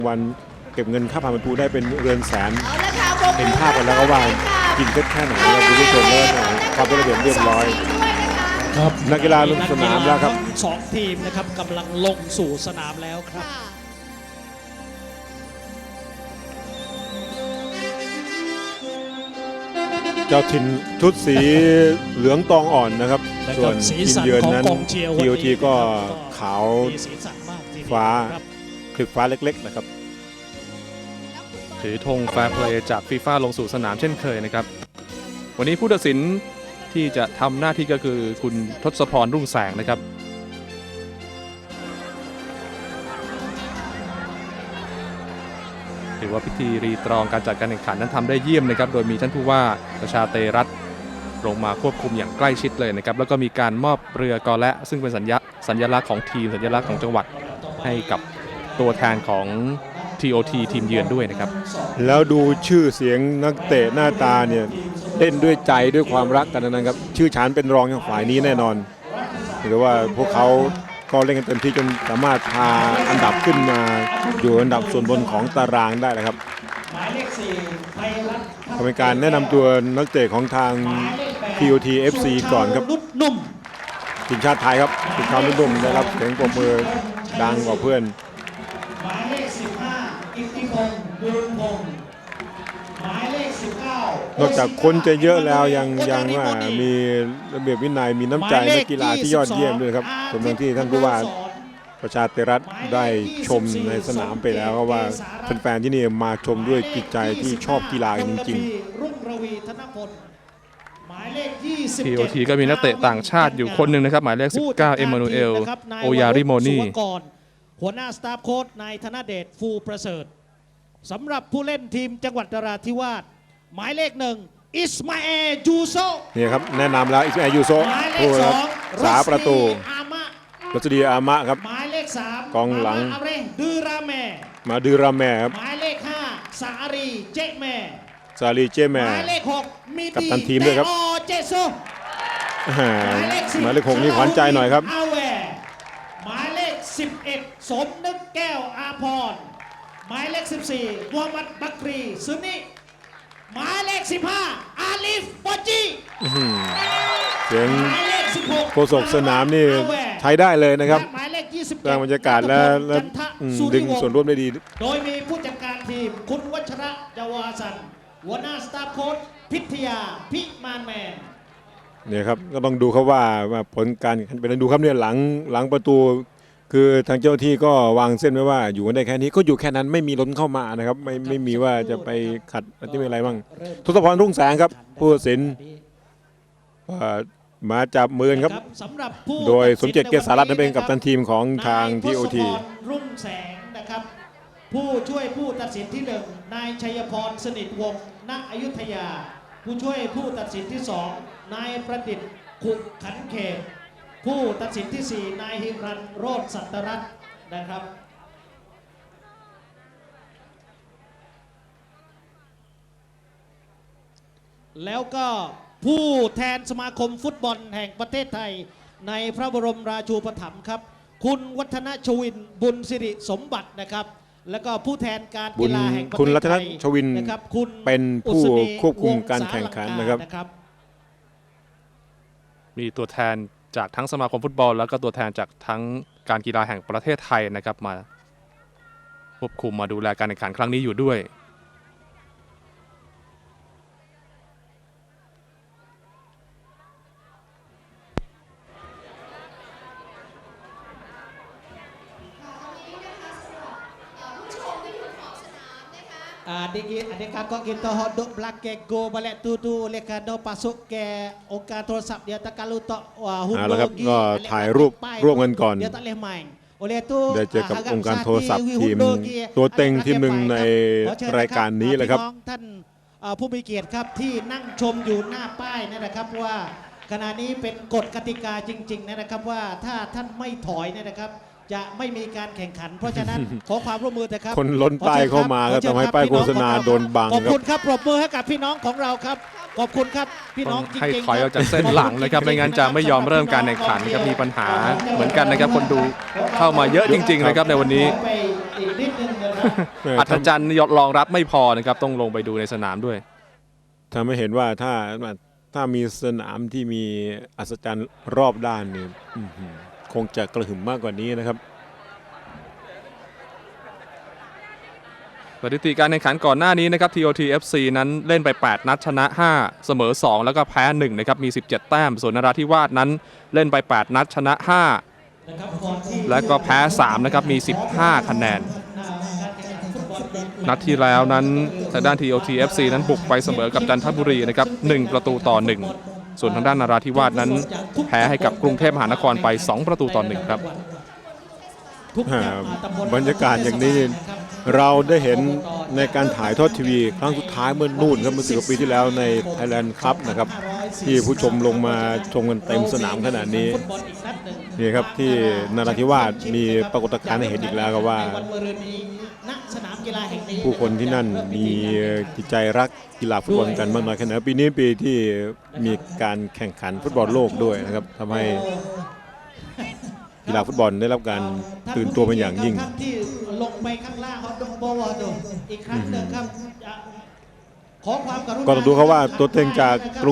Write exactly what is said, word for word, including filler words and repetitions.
วันเก็บเงินค่าผ่านประตูได้เป็นเรือนแสนเห็นภาพกันแล้วก็ว่ากินเท็ดแค่ไหนเราดูผู้ชมแล้วความเป็นระเบียบเรียบร้อยครับนักกีฬาลงสนามแล้วครับสองทีมนะครับกำลังลงสู่สนามแล้วครับเจ้าถิ่นชุดสีเหลืองตองอ่อนนะครับส่วนทีมเยือนนั้น ที โอ ที ก็ขาวฟ้าคลิปฟ้าเล็กๆนะครับถือธงแฟร์เพลย์จากฟีฟ่าลงสู่สนามเช่นเคยนะครับวันนี้ผู้ตัดสินที่จะทำหน้าที่ก็คือคุณทศพรรุ่งแสงนะครับถือว่าพิธีรีตรองการจัดการแข่งขันนั้นทำได้เยี่ยมนะครับโดยมีท่านผู้ว่าประชาเตรัตน์ลงมาควบคุมอย่างใกล้ชิดเลยนะครับแล้วก็มีการมอบเรือกอและซึ่งเป็นสัญญาสัญลักษณ์ของทีมสัญลักษณ์ของจังหวัดให้กับตัวแทนของ ที โอ ที ทีมเยือนด้วยนะครับแล้วดูชื่อเสียงนักเตะหน้าตาเนี่ยเล่นด้วยใจด้วยความรักกันนะครับชื่อฉานเป็นรองอย่างฝ่ายนี้แน่นอนหรือว่าพวกเขาก็เล่นกันเต็มที่จนสามารถพาอันดับขึ้นมาอยู่อันดับส่วนบนของตารางได้นะครับเป็นการแนะนำตัวนักเตะของทาง ที โอ ที เอฟ ซี ก่อนครับทีมชาติไทยครับสุชาวนุ่มได้รับเสียงปรบมือดังกว่าเพื่อนหมายเลขสิบห้าอิทธิพงศ์บุญพงศ์หมายเลขสิบเก้านอกจากคนจะเยอะแล้วยังยังว่ามีระเบียบวินัยมีน้ำใจนักกีฬาที่ยอดเยี่ยมด้วยครับสมดังที่ท่านผู้ว่าประชาเตรัตน์ได้ชมในสนามไปแล้วว่าแฟนๆที่นี่มาชมด้วยจิตใจที่ชอบกีฬาจริงๆที โอ ที ก็มีนักเตะต่างชาติอยู่คนหนึ่งนะครับหมายเลขสิบเก้าเอมานูเอลโอยาริโมนีหัวหน้าสตาฟโค้ชนายธนเดชฟูประเสริฐสำหรับผู้เล่นทีมจังหวัดนราธิวาสหมายเลขหนึ่งอิสมาเอลยูโซนี่ครับแนะนำแล้วอิสมาเอลยูโซผู้รักษาประตูรัชดีอามะครับหมายเลขสามกองหลังดือราแมมาดือราแมครับหมายเลขห้าสารีเจแมสาลีเจแมหมายเลขหกมีกัปตันทีมด้วยครับเจโซหมายเลขหกนี่ขวัญใจหน่อยครับหมายเลขสิบเอ็ดสมนึกแก้วอาภรณ์หมายเลขสิบสี่มูฮัมหมัดบักรีซุนิหมายเลขสิบห้าอาลิฟบอจีเสียงโฆษกสนามนี่ใช้ได้เลยนะครับหมายเลขยี่สิบสร้างบรรยากาศและดึงส่วนร่วมได้ดีโดยมีผู้จัดการทีมคุณวัชระจาวาสันหัวหน้าสตาฟโค้ชพิทยาพิมานแมนเนี่ยครับก็ต้องดูครับว่าผลการเป็นดูครับเนี่ยหลังหลังประตูคือทางเจ้าที่ก็วางเส้นไว้ว่าอยู่กันได้แค่นี้ก็อยู่แค่นั้นไม่มีล้นเข้ามานะครับไม่ไม่มีว่าจะไปขัดอะไรอะไรบ้างทศพรรุ่งแสงครับผู้ตัดสินมาจับมือครับโดยสมเจตเกษารัตน์นั้นเป็นกัปตันทีมของทาง ที โอ ทีรุ่งแสงนะครับผู้ช่วยผู้ตัดสินที่หนึ่งนายชัยพรสนิทวงศ์ณอยุธยาผู้ช่วยผู้ตัดสินที่สองนายประดิษฐ์ขุขันเขตผู้ตัดสินที่สี่นายฮิรันโรจน์สัตรัตน์นะครับแล้วก็ผู้แทนสมาคมฟุตบอลแห่งประเทศไทยในพระบรมราชูปถัมภ์ครับคุณวัฒนชวินบุญสิริสมบัตินะครับแล้วก็ผู้แทนการกีฬาแห่งประเทศไทยคุณรัตนชวินเป็นผู้ควบคุมการแข่งขันนะครับมีตัวแทนจากทั้งสมาคมฟุตบอลแล้วก็ตัวแทนจากทั้งการกีฬาแห่งประเทศไทยนะครับมาควบคุมมาดูแลการแข่งขันครั้งนี้อยู่ด้วย Adik adik kakak kita hodok belakang go balik tu tu oleh kerana pasuk ke องค์การโทรศัพท์ dia tak kalau tak hundur lagi ก็ถ่ายรูปร่วมกันก่อน dia tak boleh main oleh tu ได้เจอกับองค์การโทรศัพท์ทีมตัวเต็งทีมหนึ่งในรายการนี้แหละครับท่านผู้มีเกียรติครับที่นั่งชมอยู่หน้าป้ายนะครับว่าขณะนี้เป็นกฎกติกาจริงๆนะครับว่าถ้าท่านไม่ถอยนะครับจะไม่มีการแข่งขันเพราะฉะนั้นขอความร่วมมือนะครับคนล้นป้ายเข้ามาก็ทำให้ป้ายโฆษณาโดนบังขอบคุณครับปรบมือให้กับพี่น้องของเราครับขอบคุณครับพี่น้องจริงๆให้ถอยออกจากเส้นหลังนะครับไม่งั้นจะไม่ยอมเริ่มการแข่งขันครับมีปัญหาเหมือนกันนะครับคนดูเข้ามาเยอะจริงๆนะครับในวันนี้เอออัธจันทร์รองรับไม่พอนะครับต้องลงไปดูในสนามด้วยทำให้เห็นว่าถ้าถ้ามีสนามที่มีอัศจรรย์รอบด้านนี่อื้อหือคงจะกระหึ่มมากกว่านี้นะครับสถิติการแข่งขันก่อนหน้านี้นะครับ ที โอ ที เอฟ ซี นั้นเล่นไป แปด นัดชนะ ห้า เสมอ สอง แล้วก็แพ้ หนึ่ง นะครับ มี สิบเจ็ด แต้ม ส่วนนราธิวาสนั้นเล่นไป แปด นัดชนะ ห้า แล้วก็แพ้ สาม นะครับ มี สิบห้า คะแนน นัดที่แล้วนั้นทางด้าน ที โอ ที เอฟ ซี นั้นบุกไปเสมอกับจันทบุรีนะครับ หนึ่ง ประตูต่อ หนึ่ง ส่วนทางด้านนราธิวาสนั้นแพ้ให้กับกรุงเทพมหานครไป สอง ประตูต่อ หนึ่ง ครับอ่าบรรยากาศอย่างนี้เราได้เห็นในการถ่ายทอดทีวีครั้งสุดท้ายเมื่อนู่นครับเมื่อสิบกว่าปีที่แล้วใน Thailand Cup นะครับที่ผู้ชมลงมาชมกันเต็มสนามขนาดนี้นี่ครับที่นราธิวาสมีปรากฏการณ์ให้เห็นอีกแล้วครับว่า ผู้คนที่นั่นมีจิตใจรักกีฬาฟุตบอลกันมากน้อยแค่ไหนปีนี้ปีที่มีการแข่งขันฟุตบอลโลกด้วยนะครับทำให้กีฬาฟุตบอลได้รับการตื่นตัวเป็นอย่างยิ่งที่ลงไปข้างล่างเขาต้องบอกว่าอีกครั้งหนึ่งครับขอความกรุณาก็ต้องดูเขาว่าตัวเต็งจากกรุง